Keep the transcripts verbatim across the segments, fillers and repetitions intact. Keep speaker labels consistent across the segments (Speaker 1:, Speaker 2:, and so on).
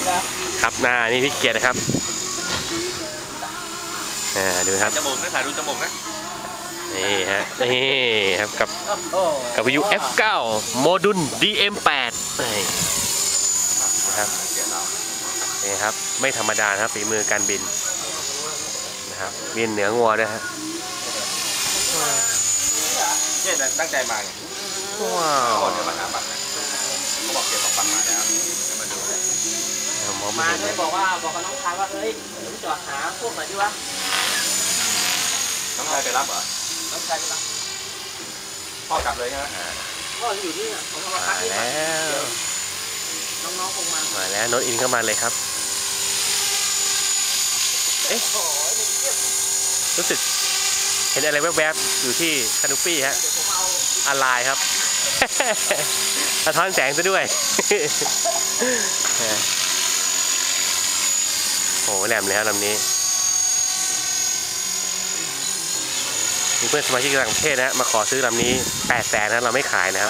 Speaker 1: ครับหน้านี่พี่เกียรตินะครับอ่าดูครับ
Speaker 2: จมูกนะถ่ายดูจมูกนะ
Speaker 1: นี่ฮะนี่ครับกับกับวิว เอฟ เก้า โมดูล ดี เอ็ม แปด นี่นะครับนี่ครับไม่ธรรมดาครับฝีมือการบินนะครับบินเหนืองัวด้วยฮะ
Speaker 2: เนี่ยตั้งใจมาไง
Speaker 1: ว้าว
Speaker 2: ก่อนจะมาหาบัตรนะเขาบอกเก็บของบัตรมาแล้วจะมาดูเลย
Speaker 3: มาเลยบอกว่าบอกกับน้องชายว่าเฮ้ยจอดหาพวกไหนดีวะ
Speaker 2: น้องชายไปรับเหรอ
Speaker 3: น้องชายไปรับ
Speaker 2: พ่อกลับเลยใช่ไหม
Speaker 3: พ่ออยู่นี่ผมเอามาพักที่
Speaker 1: แล้ว
Speaker 3: น้องๆคงมา
Speaker 1: มาแล้วโน้ตอินเข้ามาเลยครับเอ๊ะรู้สึกเห็นอะไรแวบๆอยู่ที่คานูปี้ฮะอะไรครับสะท้อนแสงซะด้วยโอ้โหแหลมเลยครับลำนี้มีเพื่อนสมาชิกต่างประเทศนะมาขอซื้อลำนี้แปดแสนนะเราไม่ขายนะครับ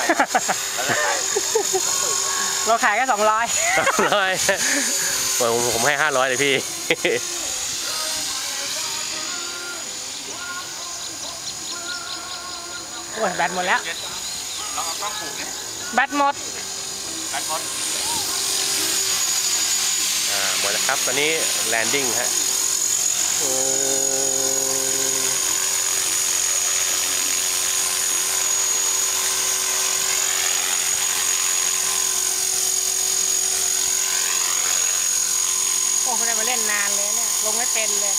Speaker 3: เราขายแค่สองร้อย
Speaker 1: สองร้อยผมผมให้ห้าร้อยเลยพี่
Speaker 3: โอ้ยแบตหมดแล้ว
Speaker 2: ลองเอากล้องผูกเนี่ย
Speaker 3: แบตหมด
Speaker 2: แบตหมด
Speaker 1: อ่าหมดแล้วครับตอนนี้แลนดิ้งฮะโอ้
Speaker 3: โอ้ไม่ได้มาเล่นนานเลยเนี่ยลงไม่เป็นเลย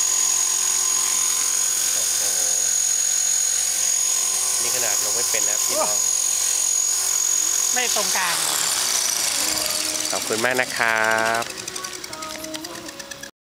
Speaker 1: นี่ขนาดลงไม่เป็นนะครับพี่น้อง
Speaker 3: ไม่ตรงกลาง
Speaker 1: ขอบคุณมากนะครับ